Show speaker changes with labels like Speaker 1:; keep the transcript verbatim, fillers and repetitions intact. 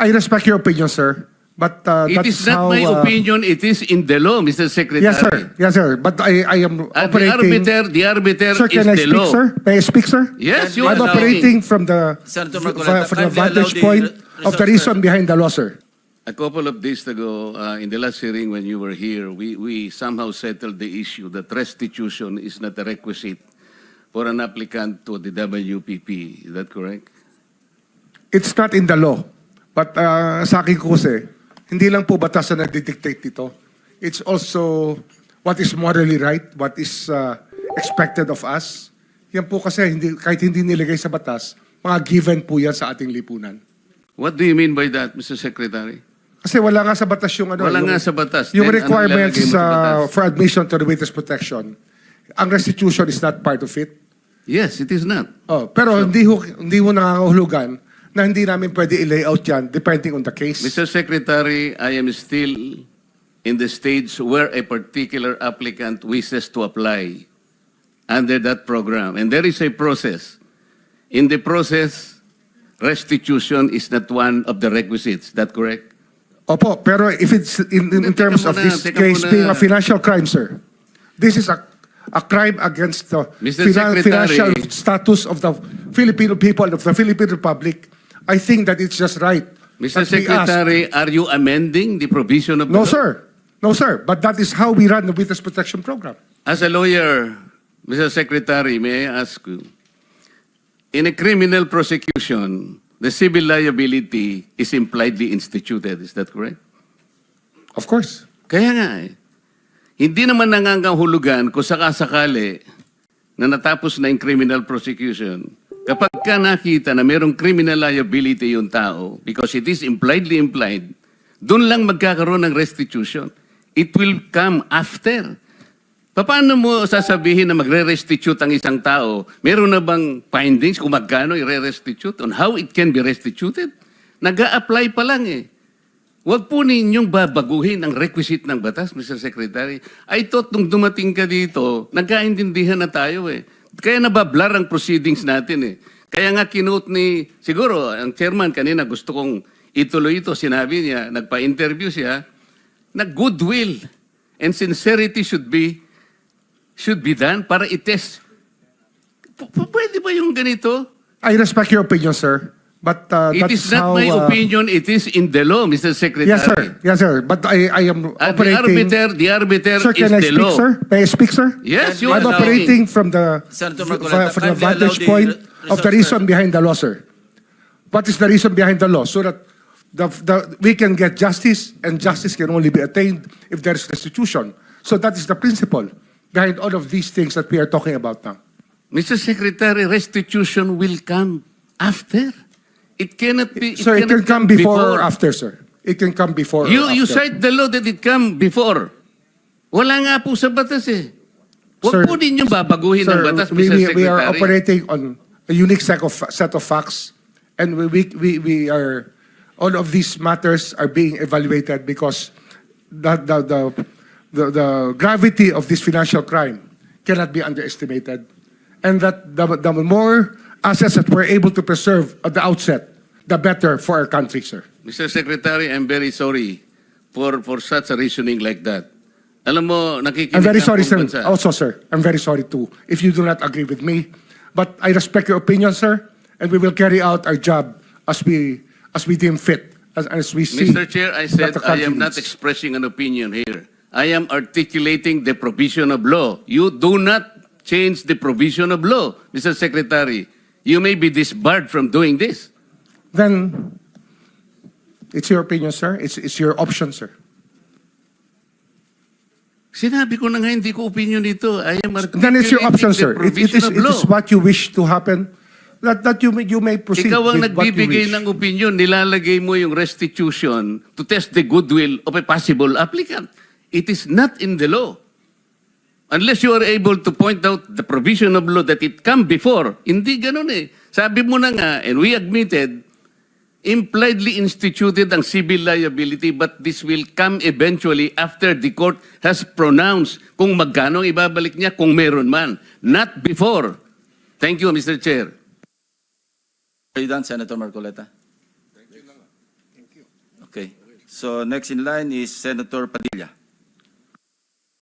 Speaker 1: I respect your opinion, sir. But uh,
Speaker 2: It
Speaker 1: that
Speaker 2: is
Speaker 1: is
Speaker 2: not
Speaker 1: how,
Speaker 2: my
Speaker 1: uh,
Speaker 2: opinion, it is in the law, Mister Secretary.
Speaker 1: Yes, sir. Yes, sir. But I, I am
Speaker 2: At the
Speaker 1: operating...
Speaker 2: arbiter, the arbiter
Speaker 1: Sir,
Speaker 2: is
Speaker 1: can I
Speaker 2: the
Speaker 1: speak,
Speaker 2: law.
Speaker 1: sir? May I speak, sir?
Speaker 2: Yes, you
Speaker 1: I'm
Speaker 2: are
Speaker 1: operating from the,
Speaker 3: Senator
Speaker 1: from
Speaker 3: Marcoleta,
Speaker 1: from the
Speaker 3: kindly allow
Speaker 1: vantage
Speaker 3: the
Speaker 1: point
Speaker 3: re-
Speaker 1: of the
Speaker 3: resource
Speaker 1: reason behind the law, sir.
Speaker 2: A couple of days ago, uh, in the last hearing when you were here, we, we somehow settled the issue that restitution is not a requisite for an applicant to the W P P. Is that correct?
Speaker 1: It's not in the law. But uh, sa akin ko kasi, hindi lang po batas na nagdidictate dito. It's also what is morally right, what is uh, expected of us. Yan po kasi, hindi, kahit hindi nilagay sa batas, mga given po yan sa ating lipunan.
Speaker 2: What do you mean by that, Mister Secretary?
Speaker 1: Kasi wala nga sa batas yung ano.
Speaker 2: Wala
Speaker 1: yung,
Speaker 2: nga sa batas.
Speaker 1: Yung
Speaker 2: Then, ano
Speaker 1: requirements
Speaker 2: ilalagay mo sa
Speaker 1: uh,
Speaker 2: batas?
Speaker 1: for admission to the witness protection. Ang restitution is not part of it.
Speaker 2: Yes, it is not.
Speaker 1: Oh, pero hindi ho, hindi ho nangangahulugan na hindi namin pwede i-layout yan depending on the case.
Speaker 2: Mister Secretary, I am still in the stage where a particular applicant wishes to apply under that program. And there is a process. In the process, restitution is not one of the requisites. Is that correct?
Speaker 1: Opo, pero if it's in, in, in
Speaker 2: Teka
Speaker 1: terms of
Speaker 2: muna,
Speaker 1: this
Speaker 2: teka
Speaker 1: case
Speaker 2: muna.
Speaker 1: being a financial crime, sir, this is a a crime against the
Speaker 2: Mister
Speaker 1: finan-
Speaker 2: Secretary.
Speaker 1: financial status of the Filipino people, of the Philippine Republic. I think that it's just right.
Speaker 2: Mister
Speaker 1: that we ask-
Speaker 2: Secretary, are you amending the provision of the
Speaker 1: No,
Speaker 2: law?
Speaker 1: sir. No, sir. But that is how we run the Witness Protection Program.
Speaker 2: As a lawyer, Mister Secretary, may I ask you, in a criminal prosecution, the civil liability is impliedly instituted. Is that correct?
Speaker 1: Of course.
Speaker 2: Kaya nga eh. Hindi naman nangangahulugan kung sakasakali na natapos na yung criminal prosecution. Kapag ka nakita na mayroong criminal liability yung tao, because it is impliedly implied, doon lang magkakaroon ng restitution. It will come after. Paano mo sasabihin na magre-restitute ang isang tao? Meron na bang findings kung magkano i-restitute on how it can be restituted? Nag-a-apply pa lang eh. Huwag po ninyong babaguhin ang requisite ng batas, Mister Secretary. I thought nung dumating ka dito, nagkaintindihan na tayo eh. Kaya nabablar ang proceedings natin eh. Kaya nga kinote ni, siguro, ang chairman kanina gusto kong ituloy ito. Sinabi niya, nagpa-interview siya, na goodwill and sincerity should be should be done para i-test. P- p- Pwede ba yung ganito?
Speaker 1: I respect your opinion, sir. But uh,
Speaker 2: It
Speaker 1: that's
Speaker 2: is not
Speaker 1: how,
Speaker 2: my
Speaker 1: uh,
Speaker 2: opinion, it is in the law, Mister Secretary.
Speaker 1: Yes, sir. Yes, sir. But I, I am
Speaker 2: At the
Speaker 1: operating...
Speaker 2: arbiter, the arbiter
Speaker 1: Sir,
Speaker 2: is
Speaker 1: can I
Speaker 2: the
Speaker 1: speak,
Speaker 2: law.
Speaker 1: sir? May I speak, sir?
Speaker 2: Yes, you
Speaker 1: I'm
Speaker 2: are
Speaker 1: operating from the,
Speaker 3: Senator
Speaker 1: from,
Speaker 3: Marcoleta,
Speaker 1: from the
Speaker 3: kindly allow
Speaker 1: vantage
Speaker 3: the
Speaker 1: point
Speaker 3: re-
Speaker 1: of the
Speaker 3: resource
Speaker 1: reason behind the law, sir. What is the reason behind the law? So that the, the, we can get justice, and justice can only be attained if there is restitution. So that is the principle behind all of these things that we are talking about now.
Speaker 2: Mister Secretary, restitution will come after. It cannot be.
Speaker 1: So it can
Speaker 2: cannot
Speaker 1: come before or after, sir. It can come before
Speaker 2: You,
Speaker 1: or
Speaker 2: you
Speaker 1: after.
Speaker 2: cite the law that it come before. Wala nga po sa batas eh.
Speaker 1: Sir,
Speaker 2: Huwag po ninyong babaguhin
Speaker 1: Sir,
Speaker 2: ang batas,
Speaker 1: we,
Speaker 2: Mister
Speaker 1: we,
Speaker 2: Secretary.
Speaker 1: we are operating on a unique set of, set of facts, and we, we, we, we are, all of these matters are being evaluated because the, the, the, the, the gravity of this financial crime cannot be underestimated. And that the, the more assets that we're able to preserve at the outset, the better for our country, sir.
Speaker 2: Mister Secretary, I'm very sorry for, for such a reasoning like that. Alam mo, nakikinig
Speaker 1: I'm very
Speaker 2: ang
Speaker 1: sorry, sir.
Speaker 2: buong bansa.
Speaker 1: Also, sir, I'm very sorry too if you do not agree with me. But I respect your opinion, sir, and we will carry out our job as we as we deem fit, as, as we see.
Speaker 2: Mister Chair, I said
Speaker 1: that the
Speaker 2: I
Speaker 1: country
Speaker 2: am not
Speaker 1: needs.
Speaker 2: expressing an opinion here. I am articulating the provision of law. You do not change the provision of law, Mister Secretary. You may be disbarred from doing this.
Speaker 1: Then it's your opinion, sir. It's it's your option, sir.
Speaker 2: Sinabi ko na nga hindi ko opinion dito. I am
Speaker 1: Then it's your option, sir.
Speaker 2: articulating the
Speaker 1: It, it is
Speaker 2: provision of
Speaker 1: it
Speaker 2: law.
Speaker 1: is what you wish to happen. That that you may you may proceed
Speaker 2: Ikaw ang
Speaker 1: with what you
Speaker 2: nagbibigay
Speaker 1: wish.
Speaker 2: ng opinion, nilalagay mo yung restitution to test the goodwill of a possible applicant. It is not in the law. Unless you are able to point out the provision of law that it come before. Hindi ganun eh. Sabi mo na nga, and we admitted, impliedly instituted ang civil liability, but this will come eventually after the court has pronounced kung magkano ang ibabalik niya, kung meron man. Not before. Thank you, Mister Chair.
Speaker 3: Are you done, Senator Marcoleta?
Speaker 1: Thank you.
Speaker 3: Okay. So next in line is Senator Padilla.